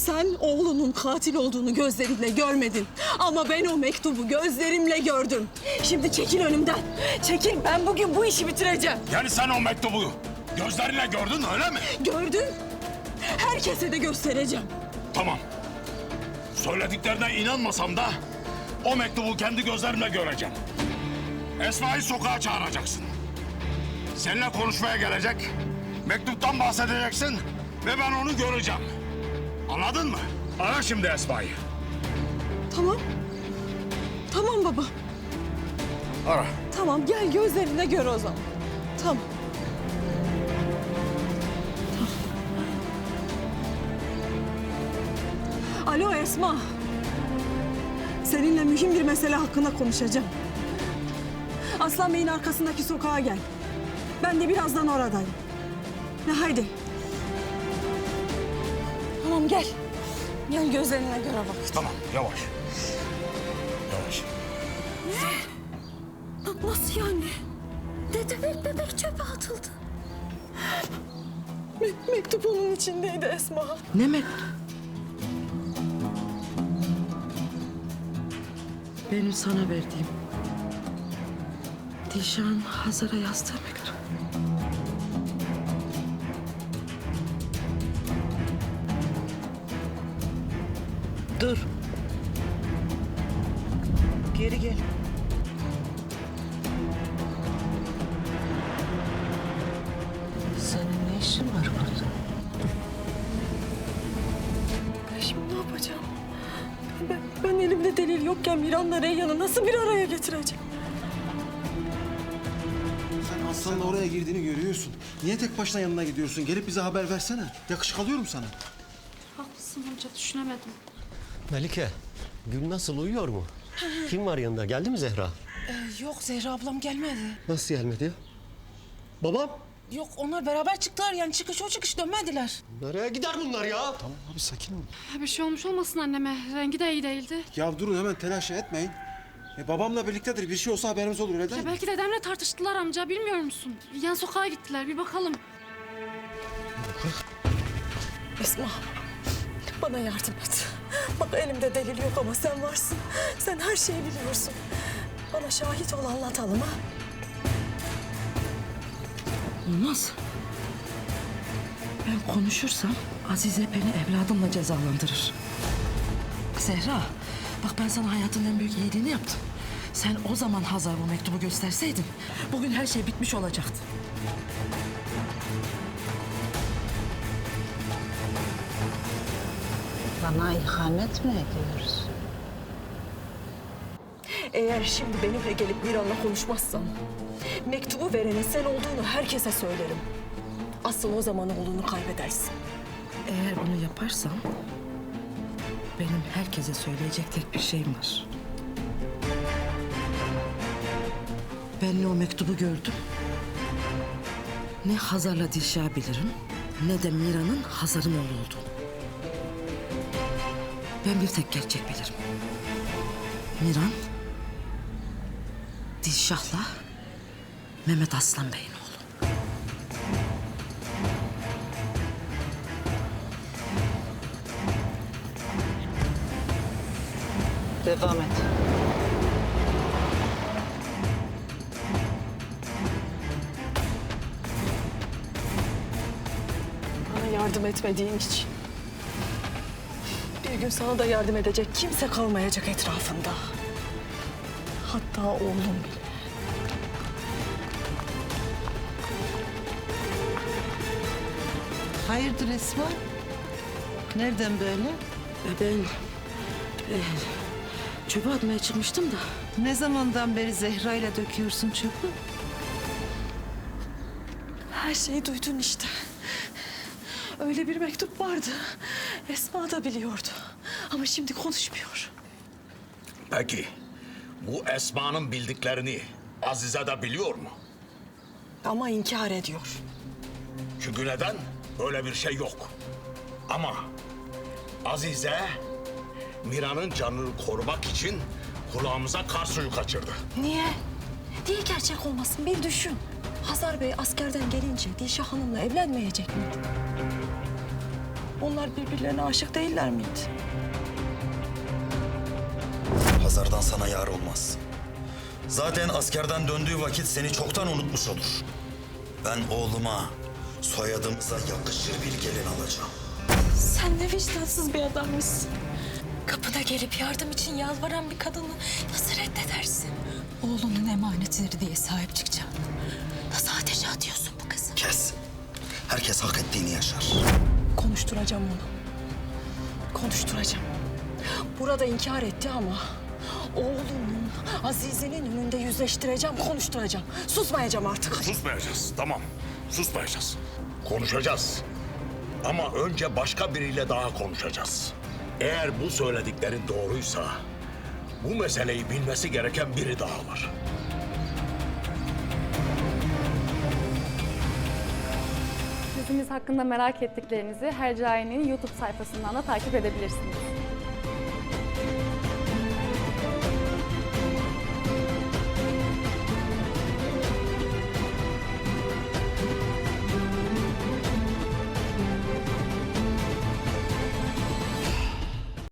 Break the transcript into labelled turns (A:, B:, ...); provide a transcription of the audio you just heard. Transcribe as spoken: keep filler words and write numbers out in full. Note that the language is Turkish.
A: Sen oğlunun katil olduğunu gözlerinle görmedin. Ama ben o mektubu gözlerimle gördüm. Şimdi çekil önümden. Çekil, ben bugün bu işi bitireceğim.
B: Yani sen o mektubu gözlerinle gördün öyle mi?
A: Gördüm. Herkese de göstereceğim.
B: Tamam. Söylediklerine inanmasam da o mektubu kendi gözlerimle göreceğim. Esma'yı sokağa çağıracaksın. Seninle konuşmaya gelecek. Mektuptan bahsedeceksin ve ben onu göreceğim. Anladın mı? Ara şimdi Esma'yı.
A: Tamam. Tamam baba.
B: Ara.
A: Tamam, gel gözlerine gör o zaman. Tamam. Tamam. Alo Esma. Seninle mühim bir mesele hakkında konuşacağım. Aslan Bey'in arkasındaki sokağa gel. Ben de birazdan oradayım. Ne haydi. Tamam gel. Gel gözlerine göre bak.
B: Tamam yavaş. Yavaş.
A: Nasıl yani? Ne demek bebek çöpe atıldı? Me- mektup onun içindeydi Esma.
C: Ne mektup? Benim sana verdiğim. Dişan Hazar'a yazdığı mektup. Dur. Geri gel. Senin ne işin var burada?
A: Ben şimdi ne yapacağım? Ben, ben elimde delil yokken Miran'la Reyhan'ı nasıl bir araya getireceğim?
D: Sen Aslan'la oraya girdiğini görüyorsun. Niye tek başına yanına gidiyorsun? Gelip bize haber versene. Yakışık alıyorum sana.
E: Haklısın amca, düşünemedim.
F: Melike, Gül nasıl, uyuyor mu? Kim var yanında? Geldi mi Zehra?
G: Ee, yok Zehra ablam gelmedi.
F: Nasıl gelmedi ya? Babam?
G: Yok onlar beraber çıktılar yani çıkış o çıkış dönmediler.
F: Nereye gider bunlar ya?
D: Tamam abi sakin ol.
E: Bir şey olmuş olmasın anneme. Rengi de iyi değildi.
D: Ya durun hemen telaş etmeyin. E, babamla birliktedir. Bir şey olsa haberimiz olur öyle değil
E: Ya
D: mi?
E: belki dedemle tartıştılar amca, bilmiyor musun? Yan sokağa gittiler, bir bakalım.
A: Esma, bana yardım et. Bak elimde delil yok ama sen varsın. Sen her şeyi biliyorsun. Bana şahit ol, anlatalım ha.
C: Olmaz. Ben konuşursam Azize beni evladımla cezalandırır. Zehra, bak ben sana hayatın en büyük iyiliğini yaptım. Sen o zaman Hazar bu mektubu gösterseydin, bugün her şey bitmiş olacaktı.
H: Bana ihanet mi ediyorsun?
A: Eğer şimdi benimle gelip Miran'la konuşmazsan... mektubu verenin sen olduğunu herkese söylerim. Asıl o zaman oğlunu kaybedersin.
C: Eğer bunu yaparsam... benim herkese söyleyecek tek bir şeyim var. Ben ne o mektubu gördüm... ne Hazar'la Dilşah'ı bilirim... ne de Mira'nın Hazar'ın oğlu olduğunu. Ben bir tek gerçek bilirim. Miran... Dilşah'la Mehmet Aslan Bey'in oğlu.
H: Devam et.
A: Bana yardım etmediğin için. Bir gün sana da yardım edecek kimse kalmayacak etrafında. Hatta oğlum bile.
H: Hayırdır Esma? Nereden böyle?
C: E ben... e, çöpe atmaya çıkmıştım da...
H: Ne zamandan beri Zehra ile döküyorsun çöpü?
A: Her şeyi duydun işte. Öyle bir mektup vardı. Esma da biliyordu. Ama şimdi konuşmuyor.
B: Peki bu Esma'nın bildiklerini Azize de biliyor mu?
A: Ama inkar ediyor.
B: Çünkü neden? Böyle bir şey yok. Ama Azize Mira'nın canını korumak için kulağımıza kar suyu kaçırdı.
A: Niye? Niye gerçek olmasın? Bir düşün. Hazar Bey askerden gelince Dilşah Hanım'la evlenmeyecek miydi?
C: Onlar birbirlerine aşık değiller miydi?
I: Hazar'dan sana yar olmaz. Zaten askerden döndüğü vakit seni çoktan unutmuş olur. Ben oğluma, soyadımıza yakışır bir gelin alacağım.
A: Sen ne vicdansız bir adammışsın. Kapına gelip yardım için yalvaran bir kadını nasıl reddedersin? Oğlunun emanetidir diye sahip çıkacaksın. Nasıl ateşe atıyorsun bu kızı?
I: Kes. Herkes hak ettiğini yaşar.
A: Konuşturacağım onu. Konuşturacağım. Burada inkar etti ama oğlunun, Azize'nin önünde yüzleştireceğim, konuşturacağım. Susmayacağım artık.
B: Susmayacağız, tamam. Susmayacağız. Konuşacağız. Ama önce başka biriyle daha konuşacağız. Eğer bu söylediklerin doğruysa, bu meseleyi bilmesi gereken biri daha var.
E: Dizimiz hakkında merak ettiklerinizi Hercai'nin YouTube sayfasından da takip edebilirsiniz.